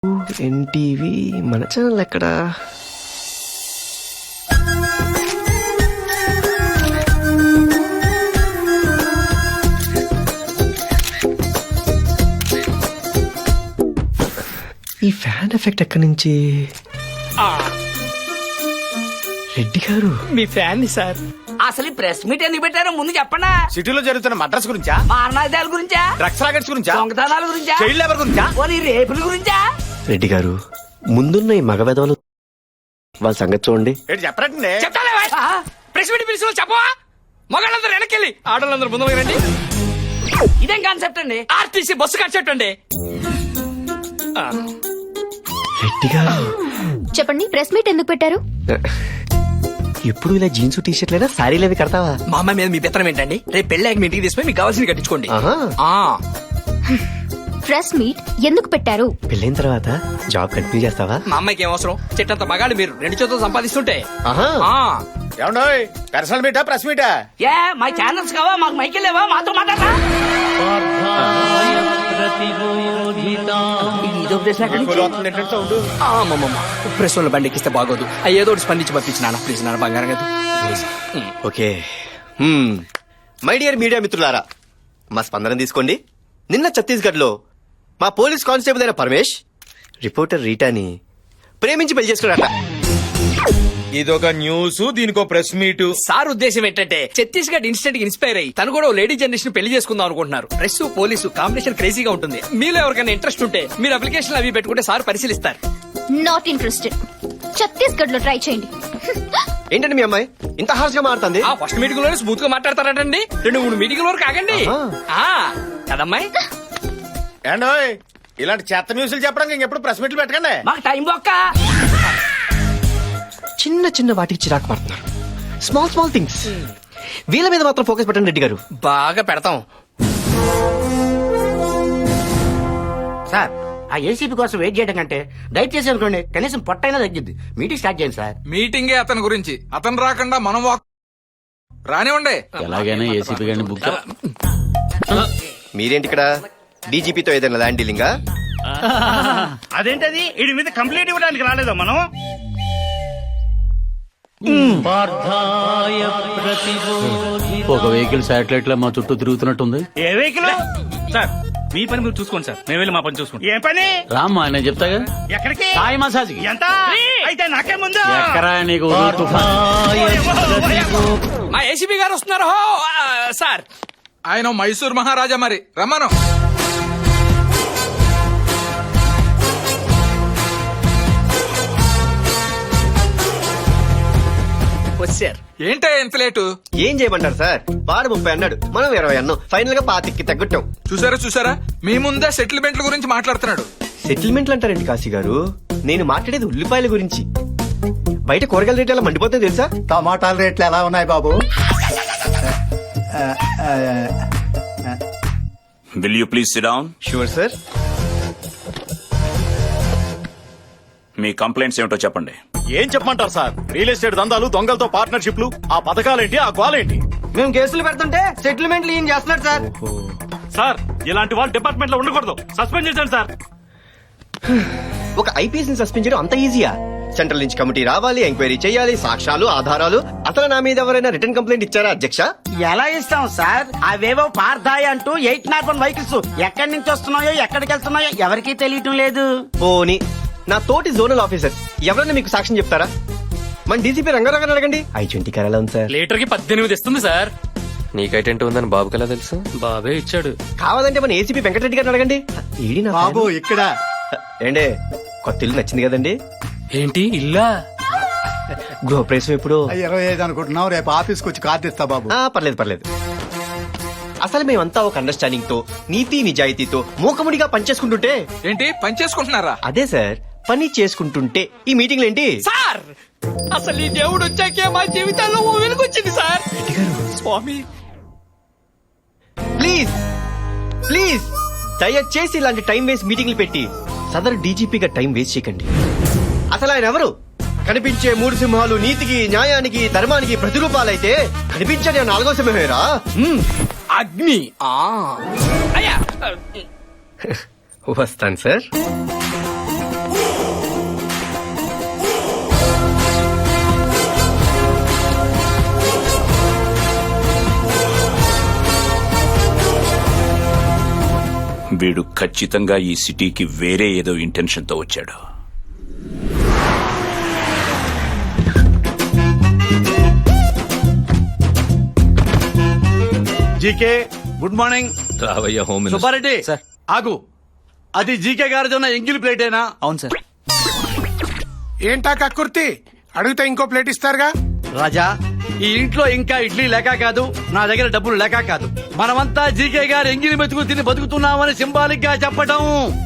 NTV మన channel ఎక్కడా? ఈ ఫ్యాన్ ఎఫెక్ట్ ఎక్కడి నుంచి? రెడ్డి గారు మీ ఫ్యాన్ సార్. అసలు ఈ ప్రెస్ మీట్ ఎందుకు పెట్టారో ముందు చెప్పండి. సిటీలో జరుగుతున్న మద్రాస్ గురించా, మారణాదాల గురించా, డ్రగ్స్ రాకెట్స్ గురించా, దొంగతనాల గురించా, చైల్డ్ లేబర్ గురించా, పోనీ రేపుల గురించా? రెడ్డి గారు ముందున్న ఈ మగ వెధవలు వాళ్ళ సంగతి చూడండి. ఏంటి చెప్పరండి? చెప్తాలే ప్రెస్ మీట్ పిలిచిన చెప్పవా? మగాళ్ళందరూ వెనకెళ్ళి ఆడవాళ్ళందరూ ముందు రండి. ఇదేం కాన్సెప్ట్ అండి? ఆర్టీసీ బస్సు కాన్సెప్ట్ అండి. రెడ్డి గారు చెప్పండి, ప్రెస్ మీట్ ఎందుకు పెట్టారు? ఎప్పుడు ఇలా జీన్స్ టీ షర్ట్లైనా శారీలు అవి కడతావా? మా అమ్మాయి మీద మీ పెత్తనం ఏంటండి? రేపు పెళ్ళాక మీ ఇంటికి తీసుకుని మీకు కావాల్సింది కట్టించుకోండి. ఆహా. ప్రెస్ మీట్ ఎందుకు పెట్టారు? పెళ్ళైన తర్వాత జాబ్ కంటిన్యూ చేస్తావా? మా అమ్మాయికి ఏం అవసరం? చెట్టంత మగాళ్ళు మీరు 2 చేతులు సంపాదిస్తుంటే. ఆహా. ఏమండోయ్, పర్సనల్ మీటా ప్రెస్ మీటా? ఏ మా ఛానల్స్ కావా? మాకు మైకిల్ లేవా? మాతో మాట్లాడరా? ఇది ఉపదేశం ఎక్కడి నుంచి? ప్రెస్ వాళ్ళ బండి ఎక్కిస్తే బాగోదు. ఏదో ఒకటి స్పందించి పంపించి నాన్న ప్లీజ్ నాన్న బంగారం కదా. ఓకే. మై డియర్ మీడియా మిత్రులారా, మా స్పందన తీసుకోండి. నిన్న ఛత్తీస్గఢ్ లో మా పోలీస్ కానిస్టేబుల్ అయిన పరమేష్ రిపోర్టర్ రీటాని ప్రేమించి పెళ్లి చేసుకున్నారట. ఇదొక న్యూస్, దీనికో ప్రెస్ మీట్. సార్ ఉద్దేశం ఏంటంటే ఛత్తీస్గఢ్ ఇన్స్టెంట్ ఇన్స్పైర్ అయ్యి తను కూడా లేడీ జనరేషన్ పెళ్లి చేసుకుందాం అనుకుంటున్నారు. ప్రెస్ పోలీసు కాంబినేషన్ క్రేజీగా ఉంటుంది. మీలో ఎవరికైనా ఇంట్రెస్ట్ ఉంటే మీరు అప్లికేషన్ అవి పెట్టుకుంటే సార్ పరిశీలిస్తారు. Not interested. ఛత్తీస్గఢ్ లో ట్రై చేయండి. ఏంటంటే మీ అమ్మాయి ఇంత హార్ష్ గా మారుతుంది? ఆ ఫస్ట్ మీటింగ్ లోనే స్మూత్ గా మాట్లాడతారంటండి. 2-3 మీటింగ్ వరకు ఆగండి. కదమ్మాయి? ఏండోయ్, ఇలాంటి చెత్త న్యూస్లు చెప్పడానికి ఇంకెప్పుడు ప్రెస్ మీట్లు పెట్టకండి. మాకు టైం బొక్క. చిన్న చిన్న వాటికి చిరాకు పడుతున్నారు. స్మాల్ స్మాల్ థింగ్స్ వీళ్ళ మీద మాత్రం ఫోకస్ పెట్టండి రెడ్డి గారు. బాగా పెడతాం సార్, ఆ ఏసీపీ కోసం వెయిట్ చేయడం కంటే దయచేసి అనుకోండి కనీసం పొట్టైనా తగ్గిద్ది. మీటింగ్ స్టార్ట్ చేయండి సార్. మీటింగే అతని గురించి. అతను రాకుండా మనం రానివ్వండి. ఎలాగైనా ఏసీపీ గారిని బుక్ మీరేంటి ఇక్కడ? డీజీపీతో ఏదైనా ల్యాండ్ డీలింగా? అదేంటది? వీడి మీద కంప్లైంట్ ఇవ్వడానికి రాలేదా మనం? ఒక వెహికల్ శాటిలైట్ లో మా చుట్టూ తిరుగుతున్నట్టుంది. ఏ వెహికల్? సార్ మీ పని మీరు చూసుకోండి సార్, మేము వెళ్ళి మా పని చూసుకోండి. ఏ పని? రామ్మా నేను చెప్తాగా. ఎక్కడికి? సాయి మసాజ్. ఎంత? అయితే నాకే ముందు ఎక్కరా నీకు మా ఏసీపీ గారు వస్తున్నారు. సార్ ఆయన మైసూర్ మహారాజా, మరి రమ్మను. వచ్చారు. ఏంటే ఎంత లేటు? ఏం చేయమంటారు సార్? వాడు 30 అన్నాడు, మనం 20 అన్నాం. ఫైనల్ గా 25కి తగ్గట్టాం. చూసారా మీ ముందే సెటిల్మెంట్ల గురించి మాట్లాడుతున్నాడు. సెటిల్మెంట్లు అంటారండి కాశీ గారు? నేను మాట్లాడేది ఉల్లిపాయల గురించి. బయట కూరగాయల రేట్లు ఎలా మండిపోతాయి తెలుసా? టమాటాల రేట్లు ఎలా ఉన్నాయి బాబు? Will you please sit down? Sure sir. మీ కంప్లైంట్స్ ఏమిటో చెప్పండి. ఏం చెప్పమంటారు సార్? రియల్ ఎస్టేట్ దందాలు, దొంగలతో పార్ట్నర్షిప్లు, ఆ పథకాలేంటి, ఆ గోలేంటి? మేము కేసులు పెడుతుంటే సెటిల్మెంట్లు ఏం చేస్తున్నారు సార్? సార్, ఇలాంటి వాళ్ళు డిపార్ట్మెంట్ లో ఉండకూడదు. సస్పెండ్ చేశాను సార్. ఒక ఐపీఎస్ ని సస్పెండ్ చేయడం అంత ఈజీయా? సెంట్రల్ నుంచి కమిటీ రావాలి, ఎంక్వైరీ చేయాలి, సాక్ష్యాలు, ఆధారాలు. అసలు నా మీద ఎవరైనా రిటర్న్ కంప్లైంట్ ఇచ్చారా అధ్యక్ష? ఎలా ఇస్తాం సార్? అవేవో పార్థాయి అంటూ 801 వెహికల్స్ ఎక్కడి నుంచి వస్తున్నాయో ఎక్కడికి వెళ్తున్నాయో ఎవరికీ తెలియటం లేదు. పోనీ నా తోటి జోనల్ ఆఫీసర్ ఎవరైనా మీకు సాక్ష్యం చెప్తారా? మన డీసీపీ రంగారావు అడగండి. I-20 కార్ ఎలా ఉంది సార్? లీటర్ కి 18 ఇస్తుంది సార్. నీకు I-20 ఉందని బాబుకి ఎలా తెలుసు? బాబే ఇచ్చాడు. కావాలంటే మన ఏసీపీ వెంకటరెడ్డి గారిని అడగండి. ఏడి నా బాబు ఇక్కడ ఏండే కొత్త ఇల్లు నచ్చింది కదండి? ఏంటి ఇల్లా? గృహప్రవేశం ఎప్పుడు? 25 అనుకుంటున్నావు. రేపు ఆఫీస్కి వచ్చి కార్డు ఇస్తా బాబు. పర్లేదు. అసలు మేమంతా ఒక అండర్స్టాండింగ్ తో, నీతి నిజాయితీతో మూకముడిగా పనిచేసుకుంటుంటే. ఏంటి పని చేసుకుంటున్నారా? అదే సార్, పని చేసుకుంటుంటే ఈ మీటింగ్లు ఏంటి సార్? అసలు ఈ దేవుడు వచ్చాకే మా జీవితాల్లో ఓ వెలుగొచ్చింది సార్. స్వామి ప్లీజ్ దయచేసి ఇలాంటి టైం వేస్ట్ మీటింగ్లు పెట్టి సదరు డీజీపీగా టైం వేస్ట్ చేయకండి. అసలు ఆయన ఎవరు? కనిపించే 3 సింహాలు నీతికి, న్యాయానికి, ధర్మానికి ప్రతిరూపాలైతే కనిపించని 4వ సింహమేరా అగ్ని. అయ్యా వస్తాను సార్. వీడు ఖచ్చితంగా ఈ సిటీకి వేరే ఏదో ఇంటెన్షన్ తో వచ్చాడు. GK good morning. రావయ్య హోమ్ సుబ్బారెడ్డి సార్. ఆగు. అది జీకే గారిది ఉన్న ఎంగిల్ ప్లేటేనా? అవును సార్. ఏంటా కక్కుర్తి అడిగితే ఇంకో ప్లేట్ ఇస్తారుగా. రాజా, ఈ ఇంట్లో ఇంకా ఇడ్లీ లేక కాదు, నా దగ్గర డబ్బులు లేక కాదు, మనమంతా జీకే గారు ఎంగిలి మెతుకు తిని బతుకుతున్నామని సింబాలిక్ గా చెప్పడం.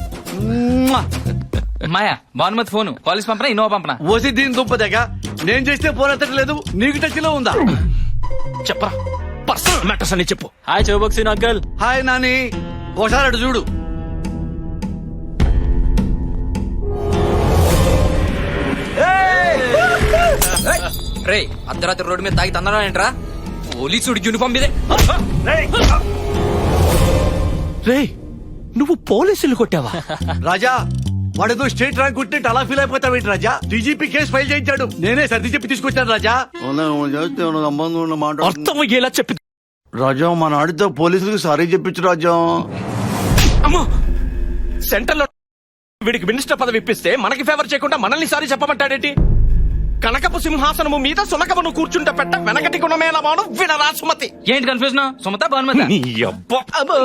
మాయా భానుమతి ఫోన్ కాలేజ్ పంపనా ఇన్నోవా పంపనా? ఓసి దీని దుంపదగా నేను చేస్తే ఫోన్ ఎత్తట్లేదు, నీకు టచ్ లో ఉందా? చెప్పరా పర్సనల్ మ్యాటర్స్ అని చెప్పు. హాయ్ చౌబక్సీన్ అంకల్. హాయ్ నాని, ఒకసారి అటు చూడు. రే అర్ధరాత్రి రోడ్డు మీద తాగి తందడం ఏంట్రా? పోలీసుడు యూనిఫామ్ మీదే. రే నువ్వు పోలీసులు కొట్టావా? రాజా, వాడేదో స్టేట్ ర్యాంక్ కొట్టినట్టు అలా ఫీల్ అయిపోతావేంటి రాజా? డీజీపీ కేసు ఫైల్ చేయించాడు, నేనే సర్ది చెప్పి తీసుకొచ్చాను రాజా. అర్థం అయ్యేలా చెప్పి. రాజా, మన ఆడితో పోలీసులకు సారీ చెప్పించు రాజా. అమ్మో, సెంటర్ లో వీడికి మినిస్టర్ పదవి ఇప్పిస్తే మనకి ఫేవర్ చేయకుండా మనల్ని సారి చెప్పమంటాడేంటి? కనకపు సింహాసనము మీద సునకమును కూర్చుంటే పెట్ట వెనకటి గుణమేలమాను వినరా సుమతి. ఏంటి కన్ఫ్యూజన్? సుమత భానుమతి? నీ అబ్బా. అబ్బో.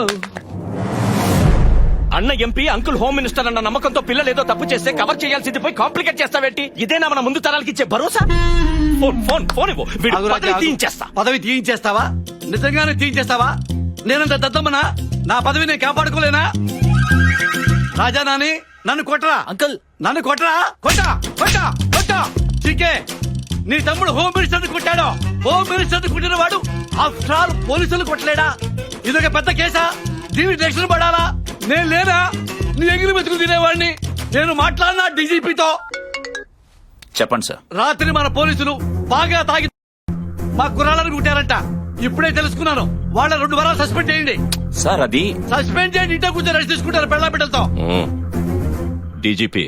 అన్న ఎంపీ అంకుల్ హోమ్ మినిస్టర్ అన్న నమ్మకంతో పిల్లలు ఏదో తప్పు చేస్తే కవర్ చేయాల్సింది పోయి కాంప్లికేట్ చేస్తావేంటి? ఇదేనా మన ముందు తరాలకి ఇచ్చే భరోసా? ఫోన్ ఫోన్ ఫోన్ ఇవ్వు, వీడి ఆగు రాజా, పదవి ఆగు. తీయించేస్తా. పదవి తీయించేస్తావా? నిజంగానే తీయించేస్తావా? నేనంత దద్దమ్మనా? నా పదవి నేను కాపాడుకోలేనా? రాజా నాని, నన్ను కొట్టరా అంకుల్. నన్ను కొట్టరా, కొట్టా కొట్టా కొట్టా. చీకే, నీ తమ్ముడు హోమ్ మినిస్టర్ కొట్టాడు. హోమ్ మినిస్టర్ కొట్టిన వాడు ఆఫ్టర్ ఆల్ పోలీసులు కొట్టలేడా? ఇదొక పెద్ద కేసా? దీని రక్షణ పడాలా? నేను లేనా నీ ఎగిరి మెతుకు తినేవాడిని? నేను మాట్లాడినా డీజీపీతో. చెప్పండి సార్. రాత్రి మన పోలీసులు బాగా తాగి మా కుర్రాళ్ళని కుట్టారంట. ఇప్పుడే తెలుసుకున్నాను. వాళ్ళ 2 వారాలు సస్పెండ్ చేయండి. సార్ అది సస్పెండ్ చేయండి, ఇంట్లో కూర్చొని రెస్ట్ తీసుకుంటారు పెళ్ళ బిడ్డలతో. డీజీపీ,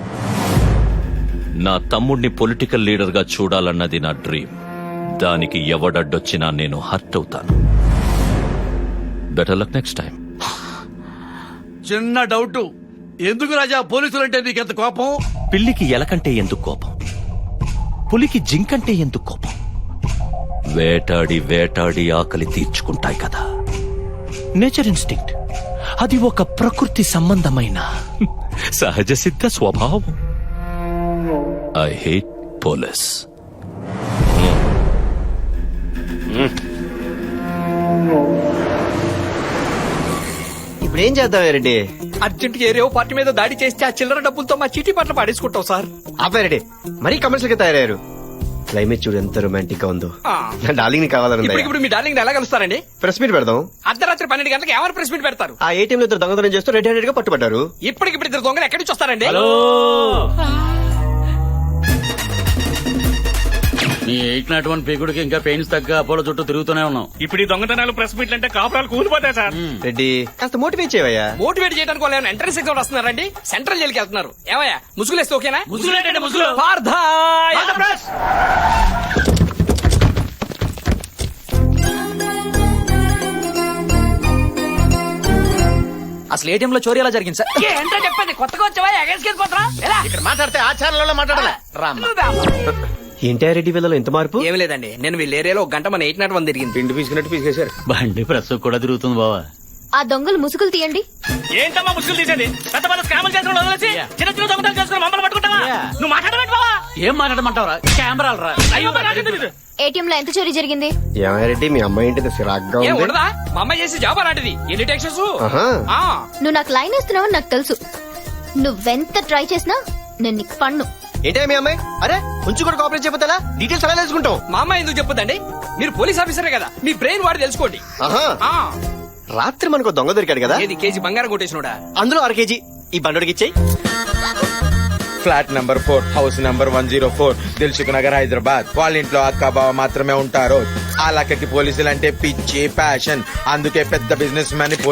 నా తమ్ముడిని పొలిటికల్ లీడర్ గా చూడాలన్నది నా డ్రీమ్. దానికి ఎవడడ్డొచ్చినా నేను హర్ట్ అవుతాను. Better luck next time. చిన్న డౌట్, ఎందుకు రాజా పోలీసులు అంటే నీకెంత కోపం? పిల్లికి ఎలకంటే ఎందుకు కోపం? పులికి జింకంటే ఎందుకు కోపం? వేటాడి వేటాడి ఆకలి తీర్చుకుంటాయి కదా. Nature instinct. అది ఒక ప్రకృతి సంబంధమైన సహజ సిద్ధ స్వభావం. I hate police. ఇప్పుడు ఏం చేద్దాం రెడ్డి? అర్జెంట్ ఏరియో పార్టీ మీద దాడి చేస్తే ఆ చిల్లర డబ్బులతో మా చీటీ పట్ల పాడేసుకుంటాం సార్. ఆపారెడ్డి, మరీ కమర్షియల్ గా తయారయ్యారు. క్లైమేట్ చూడు ఎంత రొమాంటిక్ గా ఉందో. ఆ. నా డార్లింగ్ ని కావాలని ఇప్పుడు మీ డార్లింగ్ ఎలా కలుస్తారండి? ప్రెస్ మీట్ పెడదాం. అర్ధరాత్రి 12 గంటలకు ఎవరు ప్రెస్ మీట్ పెడతారు? ఆ ఏటీఎం లో ఇద్దరు దొంగతనం చేస్తూ రెడ్ హ్యాండెడ్ గా పట్టుబడ్డారు. ఇప్పటికిప్పుడు ఇద్దరు దొంగలు ఎక్కడి నుంచి వస్తారండి? నీ 801 పీకుడికి ఇంకా పెయిన్స్ తగ్గ అపోలో చుట్టూ తిరుగుతూనే ఉన్నాం. ఇప్పుడు ఈ దొంగతనాలు ప్రెస్ మీట్లు అంటే కాపురాలు కూలిపోతాయి సార్. రెడ్డి కాస్త మోటివేట్ చేయవయ్యా. మోటివేట్ చేయడానికి వాళ్ళు ఏమైనా ఎంట్రన్స్ ఎగ్జామ్ వస్తున్నారండి? సెంట్రల్ జైలుకి వెళ్తున్నారు. ఏమయ్యా ముసుగులేస్తే ఓకేనా? ముసుగులేటండి, ముసుగులు. పార్థాయ్. అసలు ఏటీఎం లో చోరీ ఎలా జరిగింది సార్? ఏంటో చెప్పండి, కొత్తగా వచ్చావా? ఎగేసుకెళ్ళిపోతారా? ఇక్కడ మాట్లాడితే ఆచారంలో మాట్లాడాలి. ఏంటి రెడ్డి వీళ్ళలో ఇంత మార్పు? ఏం లేదండి, నేను వీళ్ళ ఏరియాలో 1 గంట మన 801 తిరిగింది. పిండి పీసుకున్నట్టు పీసుకేశారు. బండి ప్రెస్ కూడా తిరుగుతుంది బావా. ఆ దొంగలు ముసుగులు తీయండి. ఏంటమ్మా ముసుగులు తీసేది? పెద్ద పెద్ద స్కాములు చేసిన వాళ్ళు వదిలేసి చిన్న చిన్న దొంగతనాలు చేసుకుని మమ్మల్ని పట్టుకుంటావా? నువ్వు మాట్లాడమంటే బావా? ఏం మాట్లాడమంటావరా? కెమెరాలు రా. అయ్యో నాకేం తెలీదు. ఏటీఎం లో ఎంత చోరీ జరిగింది? రెడ్డి మీ అమ్మాయి ఏంటి సిరాగ్గా ఏం ఉంది? ఉండదా? మా అమ్మాయి చేసి జాబ్ అలాంటిది. ఎన్ని టెక్షన్స్? ఆహా. నువ్వు నాకు లైన్ వేస్తున్నావని నాకు తెలుసు. నువ్వెంత ట్రై చేసినా నేను నీకు పన్ను. ఏంటే మీ అమ్మాయి? అరే కొంచెం కూడా కోఆపరేట్ చేయకపోతే డీటెయిల్స్ అలా తెలుసుకుంటాం. మా అమ్మాయి ఎందుకు చెప్పదండి? మీరు పోలీస్ ఆఫీసరే కదా, మీ బ్రెయిన్ వాడి తెలుసుకోండి. ఆహా. ఆ, రాత్రి మనకు దొంగ దొరికాడు కదా, ఏది కేజీ బంగారం కొట్టేసినోడా? అందులో 1 కేజీ ఈ బండోడికి ఇచ్చేయి. Flat number 4 house number 104 Dilsukh Nagar Hyderabad. వాళ్ళ ఇంట్లో అక్క బావ మాత్రమే ఉంటారు. ఆ లక్కకి పోలీసులు అంటే పిచ్చి ప్యాషన్. అందుకే పెద్ద బిజినెస్ మ్యాన్